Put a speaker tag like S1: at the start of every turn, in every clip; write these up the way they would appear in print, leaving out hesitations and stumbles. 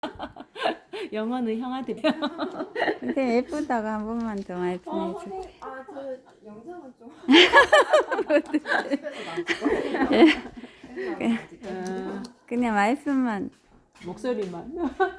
S1: 영어는 형한테
S2: 선생님 예쁘다고 한 번만 더 말씀해 주세요.
S3: 선생님, 저 영상은 좀
S2: 그냥 말씀만.
S1: 목소리만.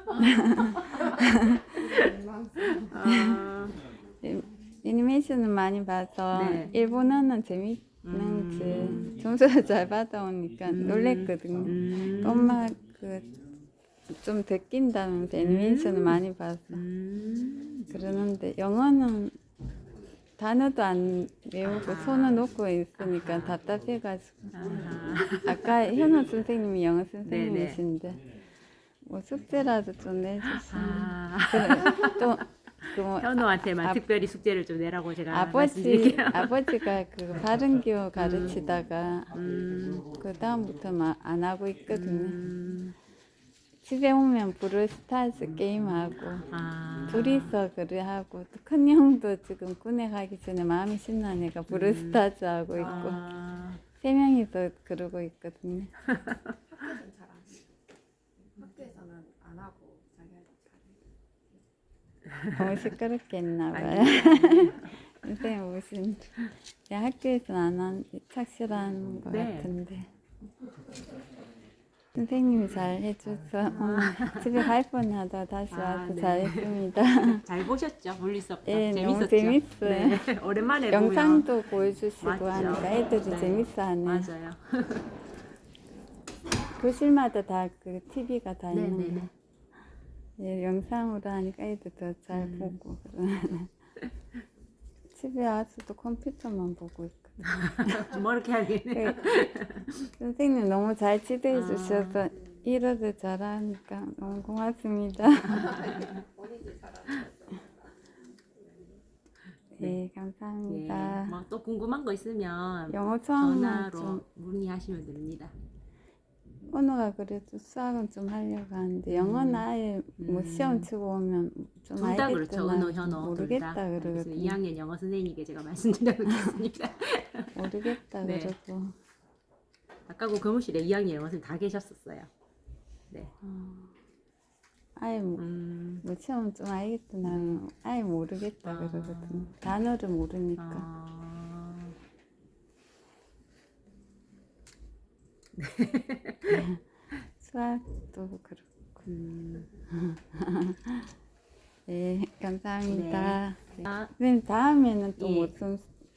S2: 애니메이션은 많이 봐서
S1: 네.
S2: 일본어는 재밌는지 점수를 잘 받아오니까 놀랬거든요. 엄마 좀 듣긴다면서 애니메이션을 많이 봐서 그러는데 영어는 단어도 안 외우고 손을 놓고 있으니까 답답해가지고 아까 현우 선생님이 영어 선생님이신데 뭐 숙제라도 좀 내주시면 또뭐
S1: 현우한테만 특별히 숙제를 좀 내라고 제가 말씀드릴게요.
S2: 아버지가 그 바른교 가르치다가 그 다음부터 안 하고 있거든요. 집에 오면 브루스타즈 게임하고 둘이서 그래 하고 또 큰 형도 지금 군에 가기 전에 마음이 신나니까 브루스타즈 하고 있고 세 명이서 그러고 있거든요.
S3: 학교에서는 안 하고 자기가
S2: 너무 시끄럽게 했나 봐요. 선생님 무슨 학교에서는 안 한 착실한 것
S1: 네.
S2: 같은데 선생님이 잘 해줘서 집에 갈 뻔하다 다시 와서
S1: 네.
S2: 잘했습니다.
S1: 잘 보셨죠? 물리수업.
S2: 예, 너무
S1: 재밌었죠?
S2: 재밌어요.
S1: 네. 오랜만에
S2: 영상도 보여주시고
S1: 맞죠.
S2: 하니까 애들이
S1: 네.
S2: 재밌어하네.
S1: 맞아요.
S2: 교실마다 다 그 TV가 다
S1: 네네네.
S2: 있는데 예, 영상으로 하니까 애들 더 잘 보고 그러네. 집에 와서도 컴퓨터만 보고 있거든요.
S1: 뭐 이렇게 하겠네.
S2: 선생님 너무 잘 지도해 주셔서 일어도 잘하니까 너무 고맙습니다.
S3: 본인이 잘하는
S2: 네, 감사합니다.
S1: 뭐 또 궁금한 거 있으면
S2: 영어 처음만
S1: 전화로
S2: 좀
S1: 문의하시면 됩니다.
S2: 언어가 그래도 수학은 좀 하려고 하는데 영어는 아예 뭐 시험 치고 오면 좀
S1: 둘 다 그렇죠.
S2: 알겠구나
S1: 은호, 현호
S2: 모르겠다
S1: 둘 다.
S2: 그러거든요.
S1: 2학년 영어 선생님께 제가 말씀드렸습니다.
S2: 모르겠다
S1: 네.
S2: 그러고
S1: 아까 그 교무실에 2학년 영어 선생님 다 계셨었어요. 네.
S2: 아예 뭐 시험 좀 알겠구나 아예 모르겠다 그러거든요. 단어를 모르니까. 수학도 그렇고. 네, 감사합니다.
S1: 네.
S2: 선생님 다음에는 또
S1: 예.
S2: 무슨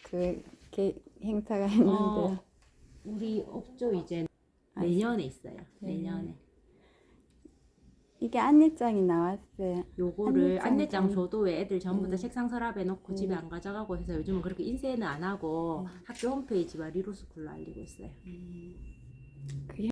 S2: 행사가 있는데요?
S1: 우리 업조 이제 내년에 있어요. 내년에.
S2: 이게 안내장이 나왔어요.
S1: 요거를 안내장
S2: 좀-
S1: 줘도 왜 애들 전부 다 책상 서랍에 놓고 집에 안 가져가고 해서 요즘은 그렇게 인쇄는 안 하고 학교 홈페이지와 리로스쿨로 알리고 있어요.
S2: 그게